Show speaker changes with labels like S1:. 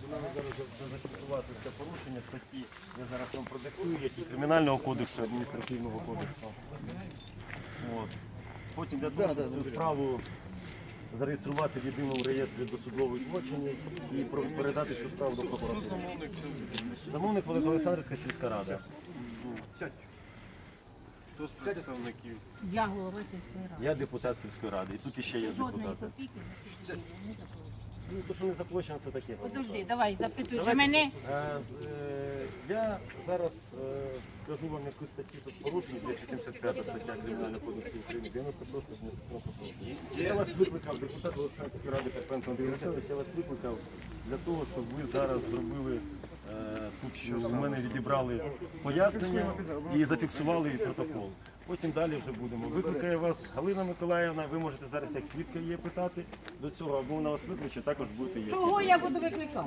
S1: Нам зараз зафіксувати це порушення статті, я зараз вам продиктую, які Кримінального кодексу, адміністративного кодексу. От. Потім для того, щоб цю справу зареєструвати в єдиному реєстрі досудових злочинів і передати цю справу до прокуратури. Замовник Великоолександрівська сільська рада.
S2: Хто з представників?
S3: Я голова сільської ради.
S1: Я депутат сільської ради. І тут іще є
S3: Жодної
S1: депутати.
S3: копійки за сільську не заплатила.
S1: Ну, то, що не заплачено, це таке.
S3: Подожди, давай, запитуй, чи
S1: Давайте,
S3: мене...
S1: Я зараз скажу вам яку статтю тут порушення, 275 стаття Кримінального кодексу України, 96 адміністративного. Я вас викликав, депутат Олександрівської ради Карпенко Андрій Васильович, я вас викликав для того, щоб ви зараз зробили, тут у мене відібрали пояснення і зафіксували протокол. Потім далі вже будемо. Викликає вас Галина Миколаївна, ви можете зараз як свідка її питати до цього, або вона вас викличе, також будете є.
S3: Чого я буду викликати?